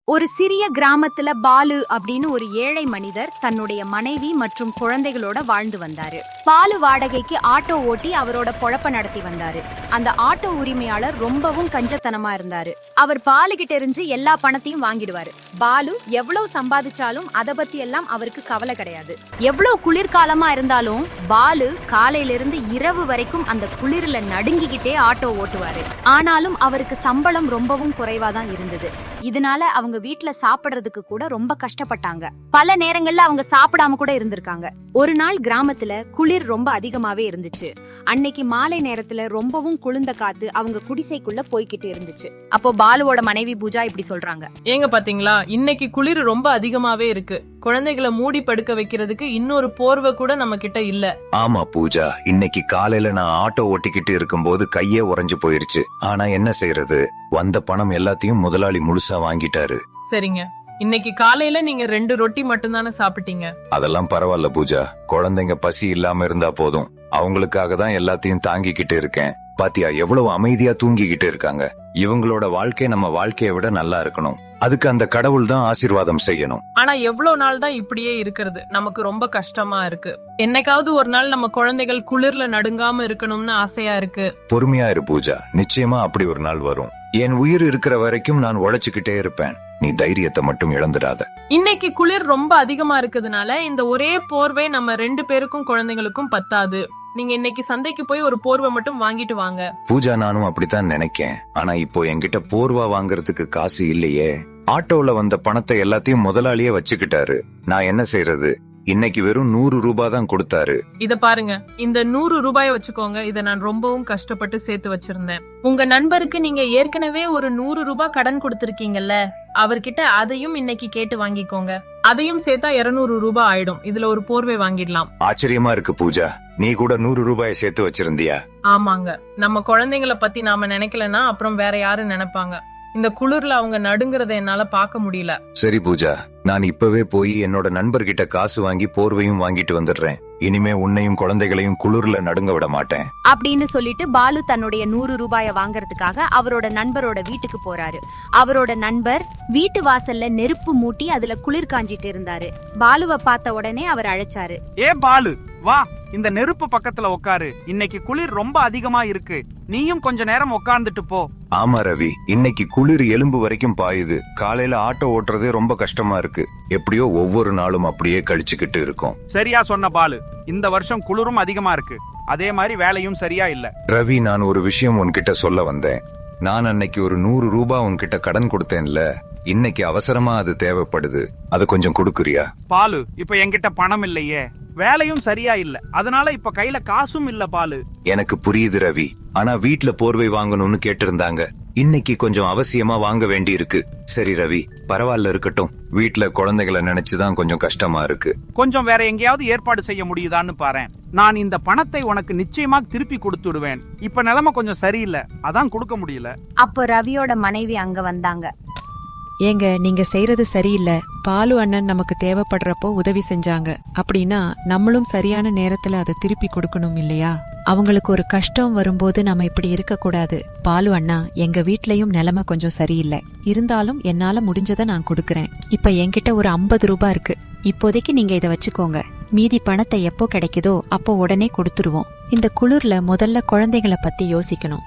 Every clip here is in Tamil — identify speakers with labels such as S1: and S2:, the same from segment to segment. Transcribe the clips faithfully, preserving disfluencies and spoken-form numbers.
S1: ஒரு சிறிய கிராமத்துல பாலு அப்படின்னு ஒரு ஏழை மனிதர் தன்னுடைய மனைவி மற்றும் குழந்தைகளோட வாழ்ந்து வந்தாரு. பாலு வாடகைக்கு ஆட்டோ ஓட்டி அவரோட பொழப்ப நடத்தி வந்தாரு. அந்த ஆட்டோ உரிமையாளர் ரொம்பவும் கஞ்சத்தனமா இருந்தாரு. அவர் பாலு கிட்ட இருந்து எல்லா பணத்தையும் வாங்கிடுவாரு. பாலு எவ்வளவு சம்பாதிச்சாலும் அதை பத்தி எல்லாம் அவருக்கு கவலை கிடையாது. எவ்வளவு குளிர்காலமா இருந்தாலும் பாலு காலையில இருந்து இரவு வரைக்கும் அந்த குளிர்ல நடுங்கிக்கிட்டே ஆட்டோ ஓட்டுவாரு. ஆனாலும் அவருக்கு சம்பளம் ரொம்பவும் குறைவாதான் இருந்தது. இதனால அவங்க வீட்டுல சாப்பிடுறதுக்கு கூட ரொம்ப கஷ்டப்பட்டாங்க. பல நேரங்கள்ல அவங்க சாப்பிடாம கூட இருந்திருக்காங்க. ஒரு நாள் கிராமத்துல குளிர் ரொம்ப அதிகமாவே இருந்துச்சு. அன்னைக்கு மாலை நேரத்துல ரொம்பவும் குளிர்ந்த காத்து அவங்க குடிசைக்குள்ள போய்கிட்டு இருந்துச்சு. அப்போ பாலுவோட மனைவி பூஜா இப்படி சொல்றாங்க,
S2: ஏங்க பாத்தீங்களா, இன்னைக்கு குளிர் ரொம்ப அதிகமாவே இருக்கு. குழந்தைகளை மூடி படுக்க வைக்கிறதுக்கு இன்னொரு போர்வை கூட நம்ம கிட்ட இல்ல.
S3: ஆமா பூஜா, இன்னைக்கு காலையில நான் ஆட்டோ ஓட்டிக்கிட்டு இருக்கும் போது கையே உறைஞ்சு போயிருச்சு. ஆனா என்ன செய்யறது, வந்த பணம் எல்லாத்தையும் முதலாளி முழுசா வாங்கிட்டாரு.
S2: சரிங்க, இன்னைக்கு காலையில நீங்க ரெண்டு ரொட்டி மட்டும் தானே சாப்பிட்டீங்க.
S3: அதெல்லாம் பரவாயில்ல பூஜா, குழந்தைங்க பசி இல்லாம இருந்தா போதும். அவங்களுக்காக தான் எல்லாத்தையும் தாங்கிக்கிட்டு இருக்கேன். பாத்தியா எவ்வளவு அமைதியா தூங்கிக்கிட்டு இருக்காங்க. இவங்களோட வாழ்க்கை நம்ம வாழ்க்கையை விட நல்லா இருக்கணும். அதுக்கு அந்த கடவுள் தான் ஆசீர்வாதம் செய்யணும்.
S2: ஆனா எவ்வளவு நாள் தான் இப்படியே இருக்கிறது, நமக்கு ரொம்ப கஷ்டமா இருக்கு. என்னைக்காவது ஒரு நாள் நம்ம குழந்தைகள் குளிர்ல நடுங்காம இருக்கணும்னு ஆசையா இருக்கு.
S3: பொறுமையா இரு பூஜா, நிச்சயமா அப்படி ஒரு நாள் வரும். என் உயிர் இருக்கிற வரைக்கும் நான் உழைச்சுக்கிட்டே இருப்பேன். நீ தைரியத்தை மட்டும் இழந்துடாத.
S2: இன்னைக்கு குளிர் ரொம்ப அதிகமா இருக்குதுனால இந்த ஒரே போர்வை நம்ம ரெண்டு பேருக்கும் குழந்தைகளுக்கும் பத்தாது. நீங்க இன்னைக்கு சந்தைக்கு போய் ஒரு போர்வை மட்டும் வாங்கிட்டு வாங்க.
S3: பூஜா, நானும் அப்படித்தான் நினைக்கேன். ஆனா இப்போ என்கிட்ட போர்வா வாங்குறதுக்கு காசு இல்லையே. ஆட்டோல வந்த பணத்தை எல்லாத்தையும் முதலாளியே வச்சுக்கிட்டாரு. நான் என்ன செய்யறது? இன்னைக்கு வெறும் நூறு ரூபாய் தான் கொடுத்தாரு.
S2: இத பாருங்க, இந்த நூறு ரூபாய வச்சுக்கோங்க. இத நான் ரொம்பவும் கஷ்டப்பட்டு சேர்த்து வச்சிருந்தேன். உங்க நண்பருக்கு நீங்க ஏற்கனவே ஒரு நூறு ரூபாய் கடன் கொடுத்திருக்கீங்கல்ல, அவர்கிட்ட அதையும் இன்னைக்கு கேட்டு வாங்கிக்கோங்க. அதையும் சேர்த்தா இருநூறு ரூபாய் ஆயிடும். இதுல ஒரு போர்வை வாங்கிடலாம்.
S3: ஆச்சரியமா இருக்கு பூஜா, நீ கூட நூறு ரூபாயை சேர்த்து வச்சிருந்தியா?
S2: ஆமாங்க, நம்ம குழந்தைங்களை பத்தி நாம நினைக்கலன்னா அப்புறம் வேற யாரும் நினைப்பாங்க. இந்த குளிர்ல அவங்க நடுங்கறத என்னால பாக்க முடியல.
S3: சரி பூஜா, நான் இப்பவே போய் என்னோட நண்பர்கிட்ட காசு வாங்கி போர்வையும் வாங்கிட்டு வந்துடுறேன். இனிமே உன்னையும் குழந்தைகளையும் குளிர்ல நடுங்க விட மாட்டேன்
S1: அப்படின்னு சொல்லிட்டு பாலு தன்னுடைய நூறு ரூபாய வாங்கறதுக்காக அவரோட நண்பரோட வீட்டுக்கு போறாரு. அவரோட நண்பர் வீட்டு வாசல்ல நெருப்பு மூட்டி அதுல குளிர் காஞ்சிட்டு இருந்தாரு. பாலுவை பார்த்த உடனே அவர் அழைச்சாரு,
S4: ஏ பாலு, வா, இந்த நெருப்பு பக்கத்துல உட்காரு. இன்னைக்கு குளிர் ரொம்ப அதிகமா இருக்கு. நீயும் கொஞ்ச நேரம் உட்கார்ந்துட்டு போ.
S3: ஆமா ரவி, இன்னைக்கு குளிர் எலும்பு வரைக்கும் பாயுது. காலையில ஆட்டோ ஓட்டுறதே ரொம்ப கஷ்டமா இருக்கு. எப்படியோ ஒவ்வொரு நாளும் அப்படியே கழிச்சுக்கிட்டு இருக்கோம்.
S4: சரியா சொன்ன பாலு, இந்த வருஷம் குளிரும் அதிகமா இருக்கு. அதே மாதிரி வேலையும் சரியா இல்ல.
S3: ரவி, நான் ஒரு விஷயம் உன்கிட்ட சொல்ல வந்தேன். நான் அன்னைக்கு ஒரு நூறு ரூபாய் உன்கிட்ட கடன் கொடுத்தேன்ல, இன்னைக்கு அவசரமா அது தேவைப்படுது. அது கொஞ்சம் கொடுக்குறியா?
S4: பாலு, இப்ப என்கிட்ட பணம் இல்லையே, வேலையும் சரியா இல்ல, அதனால இப்ப கையில காசும் இல்ல பாலு.
S3: எனக்கு புரியுது ரவி, ஆனா வீட்ல போர்வை வாங்கணும்னு கேட்டிருந்தாங்க. இன்னைக்கு கொஞ்சம் அவசியமா வாங்க வேண்டி இருக்கு. சரி ரவி, பரவாயில்ல, இருக்கட்டும். வீட்ல குழந்தைகளை நினைச்சுதான் கொஞ்சம் கஷ்டமா இருக்கு.
S4: கொஞ்சம் வேற எங்கேயாவது ஏற்பாடு செய்ய முடியுதான்னு பாறேன். நான் இந்த பணத்தை உனக்கு நிச்சயமா திருப்பி கொடுத்துடுவேன். இப்ப நிலைமை கொஞ்சம் சரியில்லை, அதான் கொடுக்க முடியல.
S1: அப்போ ரவியோட மனைவி அங்க வந்தாங்க.
S5: ஏங்க, நீங்க செய்யறது சரியில்லை. பாலு அண்ணன் நமக்கு தேவைப்படுறப்போ உதவி செஞ்சாங்க அப்படின்னா நம்மளும் சரியான நேரத்துல அதை திருப்பி கொடுக்கணும் இல்லையா? அவங்களுக்கு ஒரு கஷ்டம் வரும்போது நம்ம இப்படி இருக்க கூடாது. பாலு அண்ணா, எங்க வீட்லயும் நிலைமை கொஞ்சம் சரியில்லை. இருந்தாலும் என்னால முடிஞ்சதை நான் கொடுக்கறேன். இப்ப என்கிட்ட ஒரு ஐம்பது ரூபாய் இருக்கு. இப்போதைக்கு நீங்க இதை வச்சுக்கோங்க. மீதி பணத்தை எப்போ கிடைக்குதோ அப்போ உடனே கொடுத்துருவோம். இந்த குளிர்ல முதல்ல குழந்தைகளை பத்தி யோசிக்கணும்.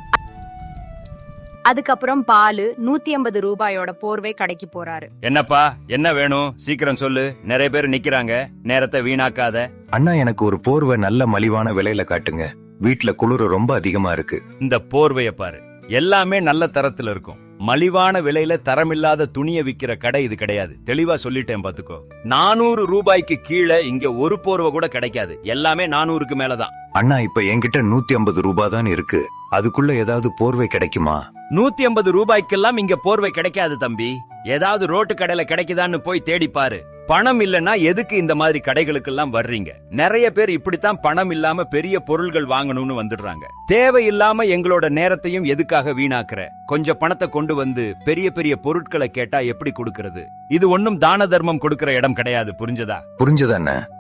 S1: அதுக்கப்புறம் பாலு நூத்தி ஐம்பது ரூபாயோட போர்வை கடைக்கு போறாரு.
S6: என்னப்பா, என்ன வேணும், சீக்கிரம் சொல்லு. நிறைய பேர் நிக்கிறாங்க, நேரத்தை வீணாக்காத.
S3: அண்ணா, எனக்கு ஒரு போர்வை நல்ல மலிவான விலையில காட்டுங்க. வீட்ல குளிர் ரொம்ப அதிகமா இருக்கு.
S6: இந்த போர்வைய பாரு, எல்லாமே நல்ல தரத்துல இருக்கும். மலிவான விலையில தரமில்லாத துணியை விக்கிற கடை இது கிடையாது. தெளிவா சொல்லிட்டேன் பாத்துக்கோ. நானூறு ரூபாய்க்கு கீழே இங்க ஒரு போர்வை கூட கிடைக்காது. எல்லாமே நானூறுக்கு மேலதான்.
S3: அண்ணா, இப்ப என்கிட்ட நூத்தி ஐம்பது ரூபாய் தான் இருக்கு. அதுக்குள்ள ஏதாவது போர்வை கிடைக்குமா?
S6: நூத்தி ஐம்பது ரூபாய்க்கெல்லாம் இங்க போர்வை கிடைக்காது தம்பி. ஏதாவது ரோட்டு கடையில கிடைக்குதான்னு போய் தேடி பாரு. பணம் இல்லன்னா எதுக்கு இந்த மாதிரி கடைகளுக்கெல்லாம் வர்றீங்க? நிறைய பேர் இப்படித்தான் பணம் இல்லாம பெரிய பொருள்கள் வாங்கணும்னு வந்துடுறாங்க. தேவையில்லாம எங்களோட நேரத்தையும் எதுக்காக வீணாக்குற? கொஞ்சம் பணத்தை கொண்டு வந்து பெரிய பெரிய பொருட்களை கேட்டா எப்படி கொடுக்கறது? இது ஒன்னும் தான தர்மம் கொடுக்கற இடம் கிடையாது, புரிஞ்சதா?
S3: புரிஞ்சதானே?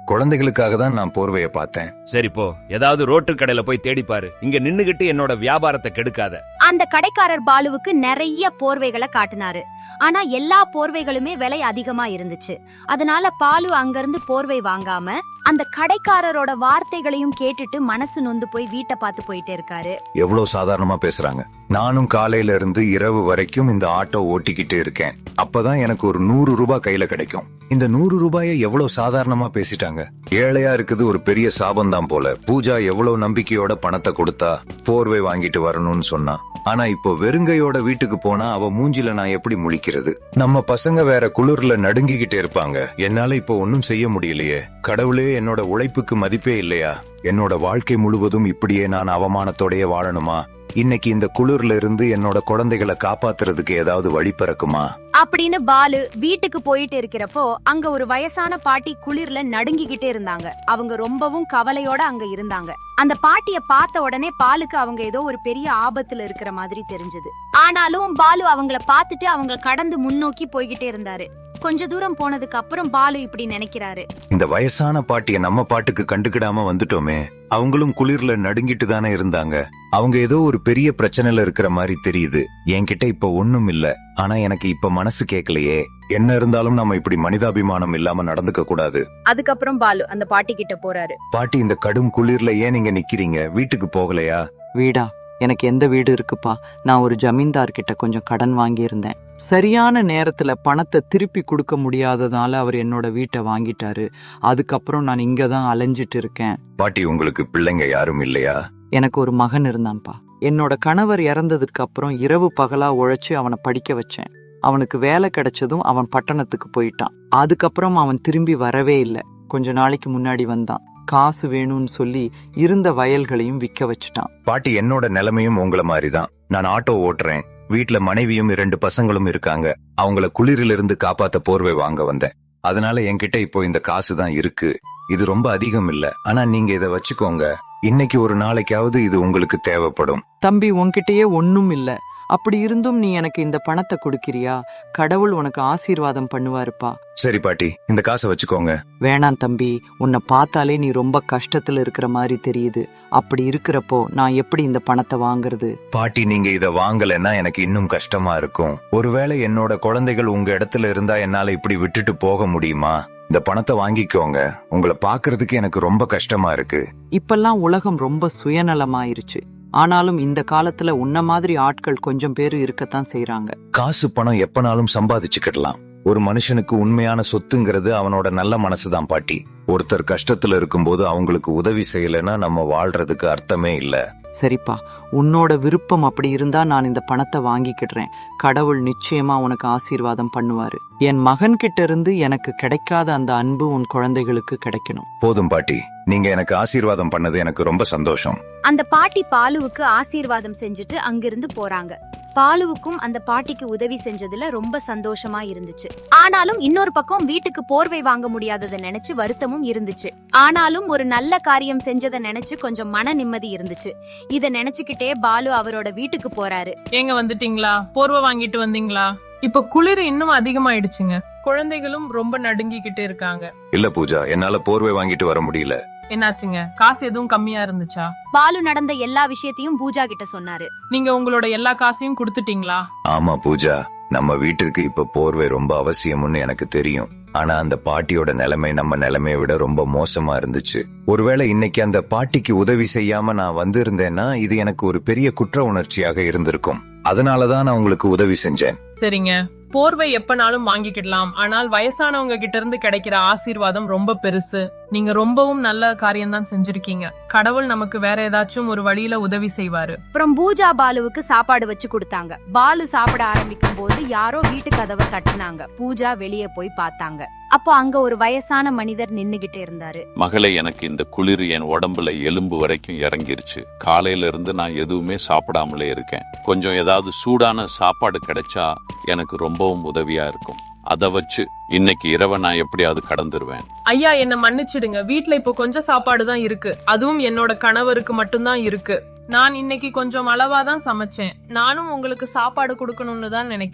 S3: குழந்தைகளுக்காக தான் நான் போர்வைய பார்த்தேன்.
S6: சரி போ, ஏதாவது ரோட்டு கடையில போய் தேடி பாரு. இங்க நின்னுகிட்டு என்னோட வியாபாரத்தை கெடுக்காத.
S1: அந்த கடைக்காரர் பாலுவுக்கு நிறைய போர்வைகளை காட்டினாரு. ஆனா எல்லா போர்வைகளுமே விலை அதிகமா இருந்துச்சு. அதனால பாலு அங்கிருந்து போர்வை வாங்காம அந்த கடைக்காரரோட வார்த்தைகளையும் கேட்டுட்டு மனசு நொந்து போய் வீட்டை பார்த்து போயிட்டே இருக்காரு.
S3: எவ்வளவு சாதாரணமா பேசுறாங்க. நானும் காலையில இருந்து இரவு வரைக்கும் இந்த ஆட்டோ ஓட்டிக்கிட்டு இருக்கேன். அப்பதான் எனக்கு ஒரு நூறு ரூபாய் கையில கிடைக்கும். இந்த நூறு ரூபாயை எவ்வளவு சாதாரணமா பேசிட்டாங்க. ஏழையா இருக்குது ஒரு பெரிய சாபம்தான் போல. பூஜா எவ்வளவு நம்பிக்கையோட பணத்தை கொடுத்தா போர்வை வாங்கிட்டு வரணும்னு சொன்னா. ஆனா இப்போ வெறுங்கையோட வீட்டுக்கு போனா அவ மூஞ்சில நான் எப்படி முழிக்கிறது? நம்ம பசங்க வேற குளிர்ல நடுங்கிக்கிட்டே இருப்பாங்க. என்னால இப்போ ஒன்னும் செய்ய முடியலையே. கடவுளே, என்னோட உழைப்புக்கு மதிப்பே இல்லையா? என்னோட வாழ்க்கை முழுவதும் இப்படியே நான் அவமானத்தோடயே வாழணுமா? இன்னைக்கு இந்த குளிர்ல இருந்து என்னோட குழந்தைகளை காப்பாத்துறதுக்கு ஏதாவது வழி பிறக்குமா
S1: அப்படின்னு பாலு வீட்டுக்கு போயிட்டு இருக்கிறப்போ அங்க ஒரு வயசான பாட்டி குளிர்ல நடுங்கிக்கிட்டே இருந்தாங்க. அவங்க ரொம்பவும் கவலையோட அங்க இருந்தாங்க. அந்த பாட்டிய பார்த்த உடனே பாலுக்கு அவங்க ஏதோ ஒரு பெரிய ஆபத்துல இருக்கிற மாதிரி தெரிஞ்சது. ஆனாலும் பாலு அவங்கள பார்த்துட்டு அவங்க கடந்து முன்னோக்கி போய்கிட்டே இருந்தாரு. கொஞ்ச தூரம் போனதுக்கு அப்புறம் பாலு இப்படி நினைக்கிறாரு,
S3: இந்த வயசான பாட்டிய நம்ம பாட்டுக்கு கண்டுக்கிடாம வந்துட்டோமே. அவங்களும் குளிர்ல நடுங்கிட்டு தானே இருந்தாங்க. அவங்க ஏதோ ஒரு பெரிய பிரச்சனையில இருக்கிற மாதிரி தெரியுது. என்கிட்ட இப்ப ஒண்ணும் இல்ல, ஆனா எனக்கு இப்ப மனசு கேட்கலையே. என்ன இருந்தாலும் நம்ம இப்படி மனிதாபிமானம் இல்லாம நடந்துக்க கூடாது.
S1: அதுக்கப்புறம் பாலு அந்த பாட்டி கிட்ட போறாரு.
S3: பாட்டி, இந்த கடும் குளிர்ல ஏன் நீங்க நிக்கிறீங்க? வீட்டுக்கு போகலையா?
S7: வீடா? எனக்கு எந்த வீடு இருக்குப்பா? நான் ஒரு ஜமீன்தார் கிட்ட கொஞ்சம் கடன் வாங்கியிருந்தேன். சரியான நேரத்துல பணத்தை திருப்பி கொடுக்க முடியாததால அவர் என்னோட வீட்டை வாங்கிட்டாரு. அதுக்கப்புறம் நான் இங்கதான் அலைஞ்சிட்டு இருக்கேன்.
S3: பாட்டி, உங்களுக்கு பிள்ளைங்க யாரும் இல்லையா?
S7: எனக்கு ஒரு மகன் இருந்தான்ப்பா. என்னோட கணவர் இறந்ததுக்கு அப்புறம் இரவு பகலா உழைச்சு அவனை படிக்க வச்சேன். அவனுக்கு வேலை கிடைச்சதும் அவன் பட்டணத்துக்கு போயிட்டான். அதுக்கப்புறம் அவன் திரும்பி வரவே இல்லை. கொஞ்ச நாளைக்கு முன்னாடி வந்தான். காசு வேணும்னு சொல்லி இருந்த வயல்களையும் விற்க வச்சுட்டான்.
S3: பாட்டி, என்னோட நிலைமையும் உங்களை மாதிரிதான். நான் ஆட்டோ ஓட்டுறேன். வீட்டுல மனைவியும் இரண்டு பசங்களும் இருக்காங்க. அவங்கள குளிரிலிருந்து காப்பாத்த போர்வை வாங்க வந்தேன். அதனால என்கிட்ட இப்போ இந்த காசு தான் இருக்கு. இது ரொம்ப அதிகம் இல்ல, ஆனா நீங்க இதை வச்சுக்கோங்க. இன்னைக்கு ஒரு நாளைக்காவது இது உங்களுக்கு தேவைப்படும்.
S7: தம்பி, உன்கிட்டயே ஒன்னும் இல்ல. அப்படி இருந்தும் நீ எனக்கு இந்த பணத்தை கொடுக்கிறியா? கடவுள் உனக்கு ஆசீர்வாதம் பண்ணுவாருப்பா.
S3: சரி பாட்டி, இந்த காசை வச்சுக்கோங்க.
S7: வேணாம் தம்பி, உன்னை பார்த்தாலே நீ ரொம்ப கஷ்டத்துல இருக்கிற மாதிரி தெரியுது. அப்படி இருக்கிறப்போ நான் எப்படி இந்த பணத்தை வாங்குறது?
S3: பாட்டி, நீங்க இத வாங்கலைன்னா எனக்கு இன்னும் கஷ்டமா இருக்கும். ஒருவேளை என்னோட குழந்தைகள் உங்க இடத்துல இருந்தா என்னால இப்படி விட்டுட்டு போக முடியுமா? இந்த பணத்தை வாங்கிக்கோங்க. உங்களை பாக்குறதுக்கு எனக்கு ரொம்ப கஷ்டமா இருக்கு.
S7: இப்பெல்லாம் உலகம் ரொம்ப சுயநலமாயிருச்சு. ஆனாலும் இந்த காலத்துல உன்ன மாதிரி ஆட்கள் கொஞ்சம் பேரு இருக்கத்தான் செய்யறாங்க.
S3: காசு பணம் எப்பனாலும் சம்பாதிச்சுக்கிடலாம். ஒரு மனுஷனுக்கு உண்மையான சொத்துங்கிறது அவனோட நல்ல மனசுதான் பாட்டி. ஒருத்தர் கஷ்டத்துல இருக்கும்போது அவங்களுக்கு உதவி செய்யலைன்னா நம்ம வாழ்றதுக்கு அர்த்தமே இல்ல.
S7: சரிப்பா, உன்னோட விருப்பம் அப்படி இருந்தா நான் இந்த பணத்தை வாங்கிக்கிடுறேன். கடவுள் நிச்சயமா உனக்கு ஆசீர்வாதம் பண்ணுவாரு. என் மகன் கிட்ட இருந்து எனக்கு கிடைக்காத அந்த அன்பு உன் குழந்தைகளுக்கு கிடைக்கணும்.
S3: போதும் பாட்டி, நீங்க எனக்கு ஆசீர்வாதம் பண்ணது எனக்கு ரொம்ப சந்தோஷம்.
S1: அந்த பாட்டி பாலுவுக்கு ஆசீர்வாதம் செஞ்சுட்டு அங்கிருந்து போறாங்க. பாலுவுக்கும் அந்த பாட்டிக்கு உதவி செஞ்சதுல ரொம்ப சந்தோஷமா இருந்துச்சு. ஆனாலும் இன்னொரு பக்கம் வீட்டுக்கு போர்வை வாங்க முடியாததை நினைச்சு வருத்தமும் இருந்துச்சு. ஆனாலும் ஒரு நல்ல காரியம் செஞ்சதை நினைச்சு கொஞ்சம் மன நிம்மதி இருந்துச்சு. இத நினைச்சுக்கிட்டே பாலு அவரோட வீட்டுக்கு போறாரு.
S2: ஏங்க வந்துட்டீங்களா? போர்வை வாங்கிட்டு வந்தீங்களா? இப்ப குளிர் இன்னும் அதிகமாயிடுச்சுங்க. குழந்தைகளும் ரொம்ப நடுங்கிக்கிட்டு இருக்காங்க.
S3: இல்ல பூஜா, என்னால போர்வை வாங்கிட்டு வர முடியல.
S2: என்னாச்சுங்க? காசு எதுவும் கம்மியா இருந்துச்சா?
S1: பாலு நடந்த எல்லா விஷயத்தையும் பூஜா கிட்ட சொன்னாரு.
S2: நீங்க உங்களோட எல்லா காசையும் கொடுத்துட்டீங்களா?
S3: ஆமா பூஜா, நம்ம வீட்டிற்கு இப்ப போர்வை ரொம்ப அவசியம்னு எனக்கு தெரியும். ஆனா அந்த பாட்டியோட நிலைமை நம்ம நிலைமையை விட ரொம்ப மோசமா இருந்துச்சு. ஒருவேளை இன்னைக்கு அந்த பாட்டிக்கு உதவி செய்யாம நான் வந்திருந்தேன்னா இது எனக்கு ஒரு பெரிய குற்ற உணர்ச்சியாக இருந்திருக்கும். அதனாலதான் நான் உங்களுக்கு உதவி செஞ்சேன்.
S2: சரிங்க, போர்வை எப்பனாலும் வாங்கிக்கிடலாம். ஆனால் வயசானவங்க கிட்ட இருந்து கிடைக்கிற ஆசீர்வாதம் ரொம்ப பெருசு. நீங்க ரொம்பவும் நல்ல காரியம் தான் செஞ்சிருக்கீங்க. கடவுள் நமக்கு வேற ஏதாச்சும் ஒரு வழியில உதவி செய்வாரு.
S1: அப்புறம் பூஜா பாலுவுக்கு சாப்பாடு வச்சு கொடுத்தாங்க. பாலு சாப்பிட ஆரம்பிக்கும் போது யாரோ வீட்டு கதவை தட்டுனாங்க. பூஜா வெளியே போய் பார்த்தாங்க. அப்போ அங்க ஒரு வயசான மனிதர் நின்னுகிட்டே இருந்தாரு.
S8: மகளே, எனக்கு இந்த குளிர் என் உடம்புல எலும்பு வரைக்கும் இறங்கிருச்சு. காலையில இருந்து நான் எதுவுமே சாப்பிடாமலே இருக்கேன். கொஞ்சம் ஏதாவது சூடான சாப்பாடு கிடைச்சா எனக்கு ரொம்பவும் உதவியா இருக்கும். அதை வச்சு இன்னைக்கு இரவை நான் எப்படியாவது கடந்துருவேன்.
S2: ஐயா, என்ன மன்னிச்சிடுங்க. வீட்டுல இப்போ கொஞ்சம் சாப்பாடு தான் இருக்கு. அதுவும் என்னோட கணவருக்கு மட்டும்தான் இருக்கு. நான் இன்னைக்கு கொஞ்சம் அளவாதான் சமைச்சேன். நானும் உங்களுக்கு சாப்பாடு கொடுக்கணும்னு தான் நினைக்கிறேன்.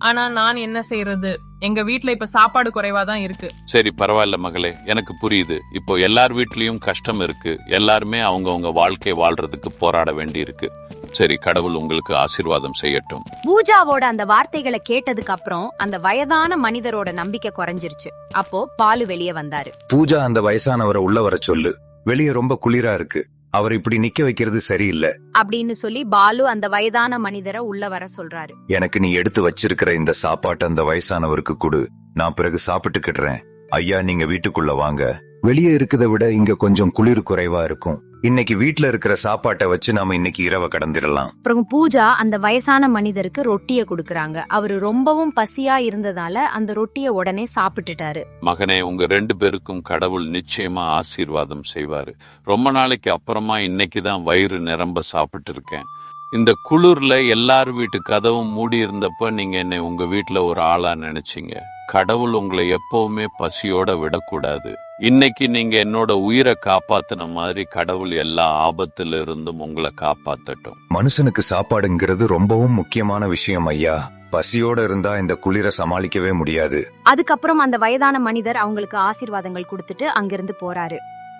S2: ஆனா நான் என்ன செய்யறது, எங்க வீட்ல இப்ப சாப்பாடு குறைவா தான் இருக்கு.
S8: சரி பரவாயில்ல மகளே, எனக்கு புரியுது. இப்போ எல்லார் வீட்லயும் கஷ்டம் இருக்கு. எல்லாருமே அவங்கவங்க வாழ்க்கை வாழ்றதுக்கு போராட வேண்டி இருக்கு. சரி, கடவுள் உங்களுக்கு ஆசீர்வாதம் செய்யட்டும்.
S1: பூஜாவோட அந்த வார்த்தைகளை கேட்டதுக்கு அப்புறம் அந்த வயதான மனிதரோட நம்பிக்கை குறைஞ்சிருச்சு. அப்போ பாலு வெளியே வந்தாரு.
S3: பூஜா அந்த வயசானவரை உள்ள வர சொல்லு, வெளியே ரொம்ப குளிரா இருக்கு, அவர் இப்படி நிக்க வைக்கிறது சரியில்லை
S1: அப்படின்னு சொல்லி பாலு அந்த வயதான மனிதரை உள்ள வர சொல்றாரு.
S3: எனக்கு நீ எடுத்து வச்சிருக்கிற இந்த சாப்பாட்டை அந்த வயசானவருக்கு கொடு, நான் பிறகு சாப்பிட்டுக்கிடுறேன். ஐயா, நீங்க வீட்டுக்குள்ள வாங்க. வெளியே இருக்கதை விட இங்க கொஞ்சம் குளிர் குறைவா இருக்கும். இன்னைக்கு வீட்ல இருக்கிற சாப்பாட்டை வச்சு நாம இன்னைக்கு இரவை கடந்திடலாம்.
S1: அப்புறம் பூஜா அந்த வயசான மனிதருக்கு ரொட்டிய குடுக்கறாங்க. அவரு ரொம்பவும் பசியா இருந்ததால அந்த ரொட்டிய உடனே சாப்பிட்டுட்டாரு.
S8: மகனே, உங்க ரெண்டு பேருக்கும் கடவுள் நிச்சயமா ஆசீர்வாதம் செய்வாரு. ரொம்ப நாளைக்கு அப்புறமா இன்னைக்குதான் வயிறு நிரம்ப சாப்பிட்டு இருக்கேன். இந்த குளிர்ல எல்லார் வீட்டு கதவும் மூடி இருந்தப்ப நீங்க என்னை உங்க வீட்டுல ஒரு ஆளா நினைச்சீங்க. கடவுள் உங்களை எப்பவுமே பசியோட விடக்கூடாது. இன்னைக்கு நீங்க என்னோட உயிரை காப்பாத்தின மாதிரி கடவுள் எல்லா ஆபத்துல இருந்தும் உங்களை காப்பாத்தட்டும்.
S3: மனுஷனுக்கு சாப்பாடுங்கிறது ரொம்பவும் முக்கியமான விஷயம் ஐயா. பசியோட இருந்தா இந்த குளிரை சமாளிக்கவே முடியாது.
S1: அதுக்கப்புறம் அந்த வயதான மனிதர் அவங்களுக்கு ஆசீர்வாதங்கள் கொடுத்துட்டு அங்கிருந்து போறாரு.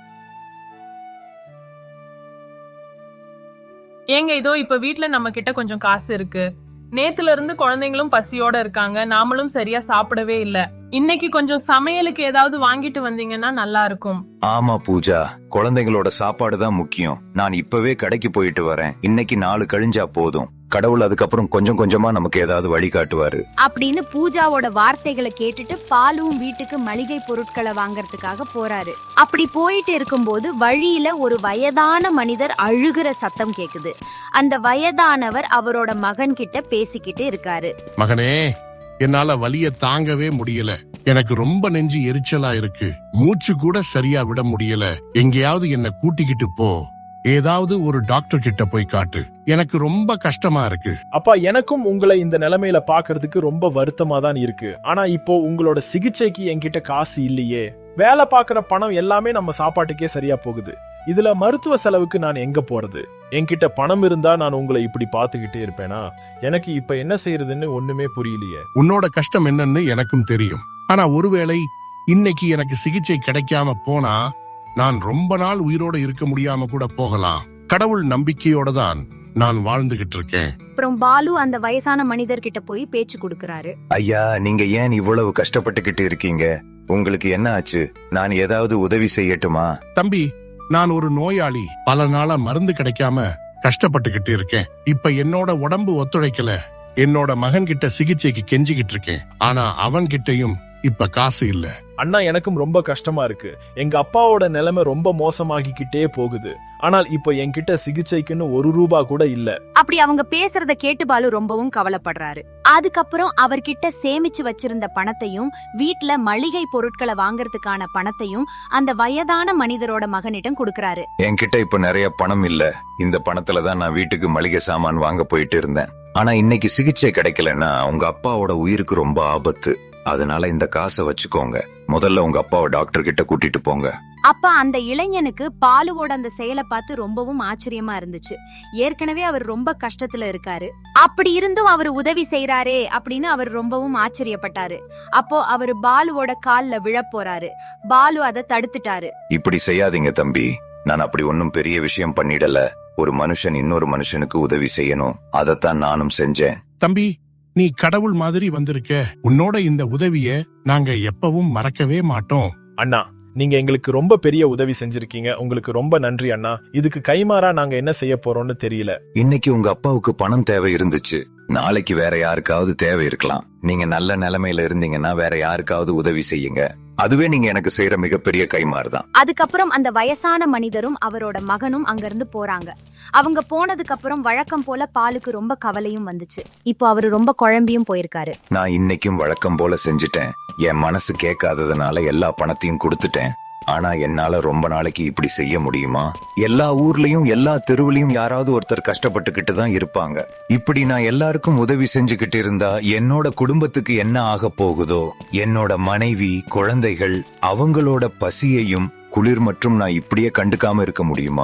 S2: ஏங்க, இதோ இப்ப வீட்ல நம்ம கிட்ட கொஞ்சம் காசு இருக்கு. நேத்துல இருந்து குழந்தைங்களும் பசியோட இருக்காங்க, நாமளும் சரியா சாப்பிடவே இல்ல. இன்னைக்கு கொஞ்சம் சமையலுக்கு ஏதாவது வாங்கிட்டு வந்தீங்கன்னா நல்லா இருக்கும்.
S3: ஆமா பூஜா, குழந்தைங்களோட சாப்பாடு தான் முக்கியம். நான் இப்பவே கடைக்கு போயிட்டு வரேன். இன்னைக்கு நாலு கழிஞ்சா போதும். கடவுள் அதுக்கப்புறம் கொஞ்சம் கொஞ்சமா நமக்கு ஏதாவது வழி காட்டுவாரு
S1: அப்படின்னு பூஜாவோட வார்த்தைகளை கேட்டுட்டு பாலும் வீட்டுக்கு மளிகை பொருட்களை வாங்கறதுக்காக போறாரு. அப்படி போயிட்டு இருக்கும்போது வழியில ஒரு வயதான மனிதர் அழுகிற சத்தம் கேக்குது. அந்த வயதானவர் அவரோட மகன் கிட்ட பேசிக்கிட்டு இருக்காரு.
S9: மகனே, என்னால வலிய தாங்கவே முடியல. எனக்கு ரொம்ப நெஞ்சு எரிச்சலா இருக்கு. மூச்சு கூட சரியா விட முடியல. எங்கேயாவது என்ன கூட்டிக்கிட்டு போ. ஏதாவது ஒரு டாக்டர் கிட்ட போய் காட்டு. எனக்கு ரொம்ப கஷ்டமா இருக்கு.
S10: அப்பா, எனக்கும் உங்களை இந்த நிலைமையில பாக்குறதுக்கு ரொம்ப வருத்தமா தான் இருக்கு. ஆனா இப்போ உங்களோட சிகிச்சைக்கு என்கிட்ட காசு இல்லையே. வேலை பாக்குற பணம் எல்லாமே நம்ம சாப்பாட்டுக்கே சரியா போகுது. இதுல மருத்துவ செலவுக்கு நான் எங்க போறது? என்கிட்ட பணம் இருந்தா நான் உங்களை இப்படி பாத்துக்கிட்டே இருப்பேனா? எனக்கு இப்ப என்ன செய்யறதுன்னு ஒண்ணுமே புரியலையே.
S9: உன்னோட கஷ்டம் என்னன்னு எனக்கும் தெரியும். ஆனா ஒருவேளை இன்னைக்கு எனக்கு சிகிச்சை கிடைக்காம போனா நான் ரொம்ப நாள் உயிரோட இருக்க முடியாம கூட போகலாம். கடவுள் நம்பிக்கையோட தான் நான் வாழ்ந்துகிட்டு இருக்கேன்.
S1: அப்புறம் பாலு அந்த வயசான மனிதர்கிட்ட போய் பேச்சு கொடுக்கறாரு.
S3: ஐயா, நீங்க ஏன் இவ்வளவு கஷ்டப்பட்டுக்கிட்டு இருக்கீங்க? உங்களுக்கு என்ன ஆச்சு? நான் ஏதாவது உதவி செய்யட்டுமா?
S9: தம்பி, நான் ஒரு நோயாளி. பல நாளா மருந்து கிடைக்காம கஷ்டப்பட்டுக்கிட்டு இருக்கேன். இப்ப என்னோட உடம்பு ஒத்துழைக்கல. என்னோட மகன் கிட்ட சிகிச்சைக்கு கெஞ்சிக்கிட்டு இருக்கேன். ஆனா அவன் கிட்டையும் இப்ப காசு இல்ல.
S10: அண்ணா, எனக்கும் ரொம்ப கஷ்டமா இருக்கு. எங்க அப்பாவோட நிலைமை ரொம்ப மோசமாகிக்கிட்டே போகுது. ஆனால் இப்போ என்கிட்ட சிகிச்சைக்குன்னு ஒரு ரூபா கூட இல்ல.
S1: அப்படி அவங்க பேசுறத கேட்டு பாலு ரொம்பவும் கவலைப்படுறாரு. அதுக்கப்புறம் அவர்கிட்ட சேமிச்சு வச்சிருந்த பணத்தையும் வீட்ல மளிகை பொருட்களை வாங்கறதுக்கான பணத்தையும் அந்த வயதான மனிதரோட மகனிடம் கொடுக்கறாரு.
S3: என்கிட்ட இப்ப நிறைய பணம் இல்ல. இந்த பணத்துல தான் நான் வீட்டுக்கு மளிகை சாமான் வாங்க போயிட்டு இருந்தேன். ஆனா இன்னைக்கு சிகிச்சை கிடைக்கலன்னா உங்க அப்பாவோட உயிருக்கு ரொம்ப ஆபத்து. அதனால இந்த காசை வச்சுக்கோங்க. முதல்ல உங்க அப்பாவை டாக்டர் கிட்ட கூட்டிட்டு போங்க.
S1: அப்ப அந்த இளைஞனுக்கு பாலுவோட அந்த செயலை பார்த்து ரொம்பவும் ஆச்சரியமா இருந்துச்சு. ஏற்கனவே அவர் ரொம்ப கஷ்டத்துல இருக்காரு. அப்படி இருந்தும் அவர் உதவி செய்யறாரே அப்படின்னு அவர் ரொம்பவும் ஆச்சரியப்பட்டாரு. அப்போ அவர் பாலுவோட கால்ல விழ போறாரு. பாலு அதை தடுத்துட்டாரு.
S3: இப்படி செய்யாதீங்க தம்பி, நான் அப்படி ஒன்னும் பெரிய விஷயம் பண்ணிடல. ஒரு மனுஷன் இன்னொரு மனுஷனுக்கு உதவி செய்யணும், அதத்தான் நானும் செஞ்சேன்.
S9: தம்பி, நீ கடவுள் மாதிரி வந்திருக்க. உன்னோட இந்த உதவிய நாங்க எப்பவும் மறக்கவே மாட்டோம்.
S10: அண்ணா, நீங்க எங்களுக்கு ரொம்ப பெரிய உதவி செஞ்சிருக்கீங்க. உங்களுக்கு ரொம்ப நன்றி அண்ணா. இதுக்கு கைமாறா நாங்க என்ன செய்ய போறோம்னு தெரியல.
S3: இன்னைக்கு உங்க அப்பாவுக்கு பணம் தேவை இருந்துச்சு. நாளைக்கு வேற யாருக்காவது தேவை இருக்கலாம். நீங்க நல்ல நிலைமையில இருந்தீங்கன்னா வேற யாருக்காவது உதவி செய்யுங்க. அதுவே நீங்க எனக்கு செய்யற மிகப்பெரிய கைமாறுதான்.
S1: அதுக்கப்புறம் அந்த வயசான மனிதரும் அவரோட மகனும் அங்கிருந்து போறாங்க. அவங்க போனதுக்கு அப்புறம் வழக்கம் போல பாலுக்கு ரொம்ப கவலையும் வந்துச்சு. இப்போ அவரு ரொம்ப குழம்பியும் போயிருக்காரு.
S3: நான் இன்னைக்கும் வழக்கம் போல செஞ்சுட்டேன். என் மனசு கேட்காததுனால எல்லா பணத்தையும் கொடுத்துட்டேன். ஆனா என்னால ரொம்ப நாளைக்கு இப்படி செய்ய முடியுமா? எல்லா ஊர்லயும் எல்லா தெருவுலயும் யாராவது ஒருத்தர் கஷ்டப்பட்டுக்கிட்டு தான் இருப்பாங்க. இப்படி நான் எல்லாருக்கும் உதவி செஞ்சுக்கிட்டு இருந்தா என்னோட குடும்பத்துக்கு என்ன ஆக போகுதோ? என்னோட மனைவி, குழந்தைகள், அவங்களோட பசியையும் குளிர் மற்றும் நான் இப்படியே கண்டுக்காம இருக்க முடியுமா?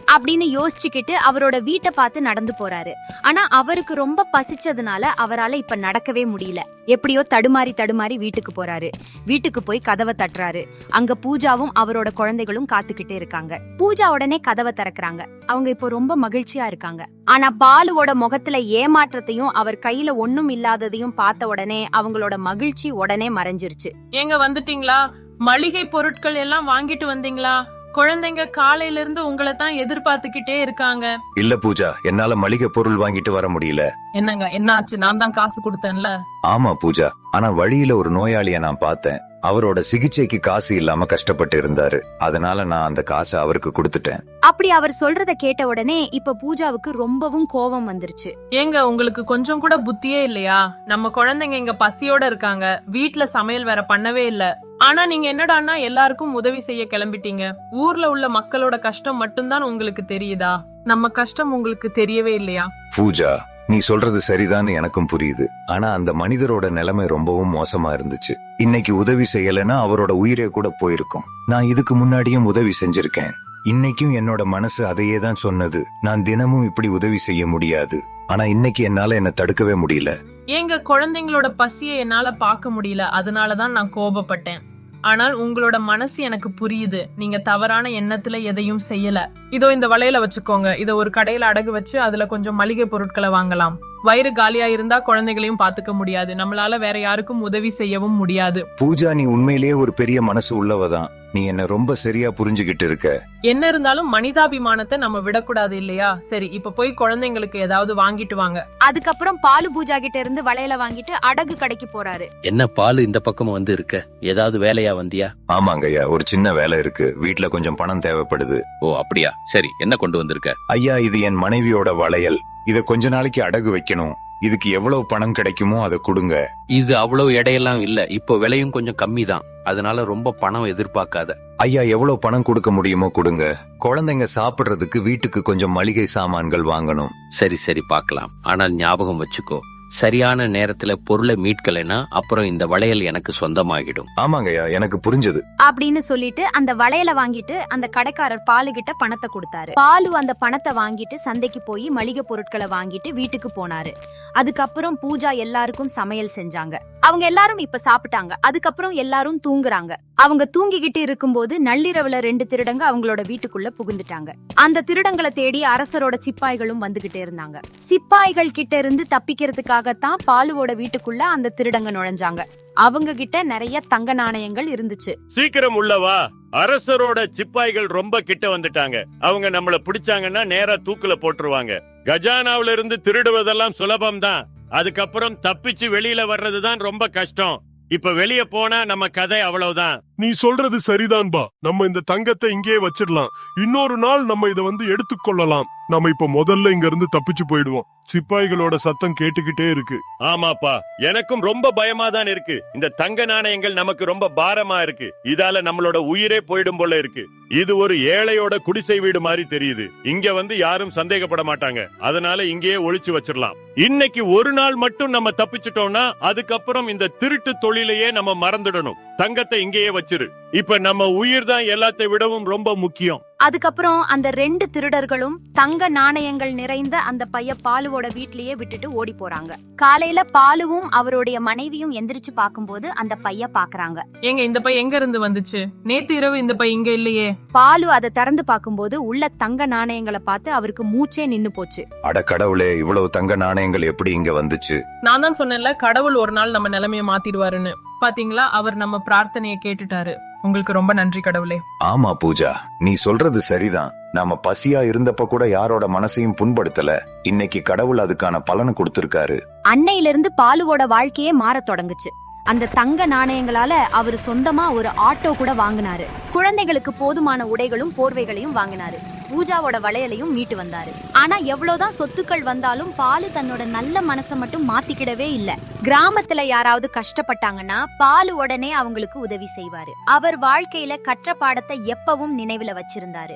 S1: அப்படின்னு யோசிச்சுக்கிட்டு அவரோட வீட்டை பார்த்து நடந்து போறாரு. ஆனா அவருக்கு ரொம்ப பசிச்சதுனால அவரால இப்ப நடக்கவே முடியல. எப்படியோ தடுமாறி தடுமாறி வீட்டுக்கு போறாரு. வீட்டுக்கு போய் கதவை தட்டுறாரு. அங்க பூஜாவும் அவரோட குழந்தைகளும் காத்துக்கிட்டு இருக்காங்க. பூஜா உடனே கதவை திறக்கிறாங்க. அவங்க இப்போ ரொம்ப மகிழ்ச்சியா இருக்காங்க. ஆனா பாலுவோட முகத்துல ஏமாற்றத்தையும் அவர் கையில ஒண்ணும் இல்லாததையும் பார்த்த உடனே அவங்களோட மகிழ்ச்சி உடனே மறைஞ்சிருச்சு.
S2: ஏங்க வந்துட்டீங்களா? மளிகை பொருட்கள் எல்லாம் வாங்கிட்டு வந்தீங்களா? குழந்தைங்க காலையில இருந்து உங்களை தான் எதிர்பார்த்துக்கிட்டே இருக்காங்க.
S3: இல்ல பூஜா, என்னால மளிகை பொருள் வாங்கிட்டு வர முடியல.
S2: என்னங்க என்னாச்சு? நான் தான் காசு கொடுத்தேன்ல.
S3: ஆமா பூஜா, ஆனா வழியில ஒரு நோயாளிய நான் பார்த்தேன். அவரோட சிகிச்சைக்கு காசு இல்லாம கஷ்டப்பட்டு இருந்தாரு. அதனால நான் அந்த காசை அவருக்கு கொடுத்துட்டேன்.
S1: அப்படி அவர் சொல்றத கேட்ட உடனே இப்ப பூஜாவுக்கு ரொம்பவும் கோபம் வந்துருச்சு.
S2: ஏங்க உங்களுக்கு கொஞ்சம் கூட புத்தியே இல்லையா? நம்ம குழந்தைங்க இங்க பசியோட இருக்காங்க. வீட்ல சமையல் வேற பண்ணவே இல்ல. ஆனா நீங்க என்னடான்னா எல்லாருக்கும் உதவி செய்ய கிளம்பிட்டீங்க. ஊர்ல உள்ள மக்களோட கஷ்டம் மட்டும்தான் உங்களுக்கு தெரியுதா? நம்ம கஷ்டம் உங்களுக்கு தெரியவே இல்லையா?
S3: பூஜா, நீ சொல்றது சரிதான்னு எனக்கும் புரியுது. ஆனா அந்த மனிதரோட நிலைமை ரொம்பவும் மோசமா இருந்துச்சு. இன்னைக்கு உதவி செய்யலைன்னா அவரோட உயிரே கூட போயிருக்கும். நான் இதுக்கு முன்னாடியும் உதவி செஞ்சிருக்கேன். இன்னைக்கும் என்னோட மனசு அதையே தான் சொன்னது. நான் தினமும் இப்படி உதவி செய்ய முடியாது. ஆனா இன்னைக்கு என்னால என்ன தடுக்கவே முடியல.
S2: ஏங்க குழந்தைங்களோட பசியை என்னால பார்க்க முடியல. அதனாலதான் நான் கோபப்பட்டேன். ஆனால் உங்களோட மனசு எனக்கு புரியுது. நீங்க தவறான எண்ணத்துல எதையும் செய்யல. இதோ இந்த வளையல வச்சுக்கோங்க. இத ஒரு கடையில அடகு வச்சு அதுல கொஞ்சம் மளிகை பொருட்களை வாங்கலாம். வயிறு காலியா இருந்தா குழந்தைகளையும் பாத்துக்க முடியாது. நம்மளால வேற யாருக்கும் உதவி செய்யவும் முடியாது.
S3: பூஜா, நீ உண்மையிலேயே ஒரு பெரிய மனசு உள்ளவதான். நீ என்ன ரொம்ப சரியா புரிஞ்சுகிட்டு இருக்க.
S2: என்ன இருந்தாலும் மனிதாபிமானத்தை நம்ம விடக்கூடாது இல்லையா? சரி, இப்ப போய் குழந்தைங்களுக்கு ஏதாவது வாங்கிட்டு வாங்க.
S1: அதுக்கப்புறம் பாலு பூஜா கிட்ட இருந்து வளையல வாங்கிட்டு அடகு கடைக்கு போறாரு.
S11: என்ன பாலு இந்த பக்கம் வந்து இருக்க? ஏதாவது வேலையா வந்தியா?
S3: ஆமாங்க ஐயா, ஒரு சின்ன வேலை இருக்கு. வீட்ல கொஞ்சம் பணம் தேவைப்படுது.
S11: ஓ அப்படியா? சரி, என்ன கொண்டு வந்திருக்க?
S3: ஐயா, இது என் மனைவியோட வளையல். இத கொஞ்ச நாளைக்கு அடகு வைக்கணும். இதுக்கு எவ்வளவு பணம் கிடைக்குமோ அதை கொடுங்க.
S11: இது அவ்வளவு எடையெல்லாம் இல்ல. இப்போ விலையும் கொஞ்சம் கம்மி தான். அதனால ரொம்ப பணம் எதிர்பார்க்காத.
S3: ஐயா, எவ்வளவு பணம் கொடுக்க முடியுமோ கொடுங்க. குழந்தைங்க சாப்பிடுறதுக்கு வீட்டுக்கு கொஞ்சம் மளிகை சாமான்கள் வாங்கணும்.
S11: சரி சரி பார்க்கலாம். ஆனால் ஞாபகம் வச்சுக்கோ, சரியான நேரத்துல பொருளை மீட்கலைன்னா அப்புறம் இந்த வளையல் எனக்கு சொந்தமாகிடும்.
S3: ஆமாங்கய்யா, எனக்கு புரிஞ்சது
S1: அப்படின்னு சொல்லிட்டு அந்த வளையல வாங்கிட்டு அந்த கடைக்காரர் பாலு கிட்ட பணத்தை கொடுத்தாரு. பாலு அந்த பணத்தை வாங்கிட்டு சந்தைக்கு போய் மளிகை பொருட்களை வாங்கிட்டு வீட்டுக்கு போனாரு. அதுக்கப்புறம் பூஜா எல்லாருக்கும் சமையல் செஞ்சாங்க. அவங்க எல்லாரும் இப்ப சாப்பிட்டாங்க. அதுக்கப்புறம் எல்லாரும் தூங்குறாங்க. அவங்க தூங்கிக்கிட்டு இருக்கும்போது நள்ளிரவுல ரெண்டு திருடங்க அவங்களோட வீட்டுக்குள்ள புகுந்துட்டாங்க. அந்த திருடங்களை தேடி அரசரோட சிப்பாய்களும் வந்துகிட்டே இருந்தாங்க. சிப்பாய்கள் கிட்ட இருந்து தப்பிக்கிறதுக்காகத்தான் பாலுவோட வீட்டுக்குள்ள அந்த திருடங்க நுழைஞ்சாங்க. அவங்க கிட்ட நிறைய தங்க நாணயங்கள் இருந்துச்சு.
S12: சீக்கிரம் உள்ளவா, அரசரோட சிப்பாய்கள் ரொம்ப கிட்ட வந்துட்டாங்க. அவங்க நம்மள பிடிச்சாங்கன்னா நேரா தூக்குல போட்டுருவாங்க. கஜானாவில இருந்து திருடுவதெல்லாம் சுலபம் தான். அதுக்கப்புறம் தப்பிச்சு வெளியில வர்றதுதான் ரொம்ப கஷ்டம். இப்ப வெளிய போனா நம்ம கதை அவ்வளவுதான்.
S9: நீ சொல்றது சரிதான்பா. நம்ம இந்த தங்கத்தை இங்கே வச்சிடலாம். இன்னொரு நாள் நம்ம இத வந்து எடுத்துக்கொள்ளலாம். நம்ம இப்ப முதல்ல இங்க இருந்து தப்பிச்சு போயிடுவோம். சிப்பாய்களோட சத்தம் கேட்டுக்கிட்டே இருக்கு.
S12: ஆமாப்பா, எனக்கும் ரொம்ப பயமா தான் இருக்கு. இந்த தங்க நாணயங்கள் நமக்கு ரொம்ப பாரமா இருக்கு. இதால நம்மளோட உயிரே போயிடும் போல இருக்கு. இது ஒரு ஏழையோட குடிசை வீடு மாதிரி தெரியுது. இங்க வந்து யாரும் சந்தேகப்பட மாட்டாங்க. அதனால இங்கேயே ஒளிச்சு வச்சிடலாம். இன்னைக்கு ஒரு நாள் மட்டும் நம்ம தப்பிச்சிட்டோம்னா அதுக்கப்புறம் இந்த திருட்டு தொழிலையே நம்ம மறந்துடணும். தங்கத்தை இங்கேயே வச்சிரு. இப்ப நம்ம உயிர் தான் எல்லாத்தை விடவும் ரொம்ப முக்கியம்.
S1: அதுக்கப்புறம் அந்த ரெண்டு திருடர்களும் தங்க நாணயங்கள் நிறைந்த அந்த பைய பாலுவோட வீட்லயே விட்டுட்டு ஓடி போறாங்க. காலையில பாலுவும் அவருடைய மனைவியும் எந்திரிச்சு பாக்கும்போது அந்த பைய பாக்குறாங்க.
S2: ஏங்க இந்த பை எங்க இருந்து வந்துச்சு? நேத்து இரவு இந்த பை இங்க இல்லையே.
S1: பாலு அதை திறந்து பாக்கும்போது உள்ள தங்க நாணயங்களை பார்த்து அவருக்கு மூச்சே நின்னு போச்சு.
S3: அட கடவுளே, இவ்வளவு தங்க நாணயங்கள் எப்படி இங்க வந்துச்சு?
S2: நான் தான் சொன்னேன்ல, கடவுள் ஒரு நாள் நம்ம நிலைமைய மாத்திடுவாருன்னு. பாத்தீங்களா, அவர் நம்ம பிரார்த்தனையை கேட்டுட்டாரு. உங்களுக்கு ரொம்ப நன்றி கடவுளே.
S3: ஆமா பூஜா, நீ சொல்றது சரிதான். நாம பசியா இருந்தப்ப கூட யாரோட மனசையும் புண்படுத்தல. இன்னைக்கு கடவுள் அதுக்கான பலனை கொடுத்திருக்காரு.
S1: அன்னையில இருந்து பாலுவோட வாழ்க்கையே மாற தொடங்குச்சு. அந்த தங்க நாணயங்களால அவர் சொந்தமா ஒரு ஆட்டோ கூட வாங்கினாரு. குழந்தைகளுக்கு போதுமான உடைகளும் போர்வைகளையும் வாங்கினாரு. பூஜாவோட வளையலையும் மீட்டு வந்தாரு. ஆனா எவ்வளவுதான் சொத்துக்கள் வந்தாலும் பாலு தன்னோட நல்ல மனசை மட்டும் மாத்திக்கிடவே இல்ல. கிராமத்துல யாராவது கஷ்டப்பட்டாங்கன்னா பாலு உடனே அவங்களுக்கு உதவி செய்வாரு. அவர் வாழ்க்கையில கற்ற பாடத்தை எப்பவும் நினைவுல வச்சிருந்தாரு.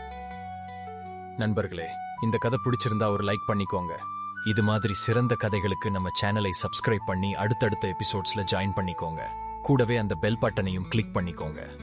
S13: நண்பர்களே, இந்த கதை பிடிச்சிருந்தா ஒரு லைக் பண்ணிக்கோங்க. இது மாதிரி சிறந்த கதைகளுக்கு நம்ம சேனலை சப்ஸ்கிரைப் பண்ணி அடுத்தடுத்த எபிசோட்ஸ்ல ஜாயின் பண்ணிக்கோங்க. கூடவே அந்த பெல் பட்டனையும் கிளிக் பண்ணிக்கோங்க.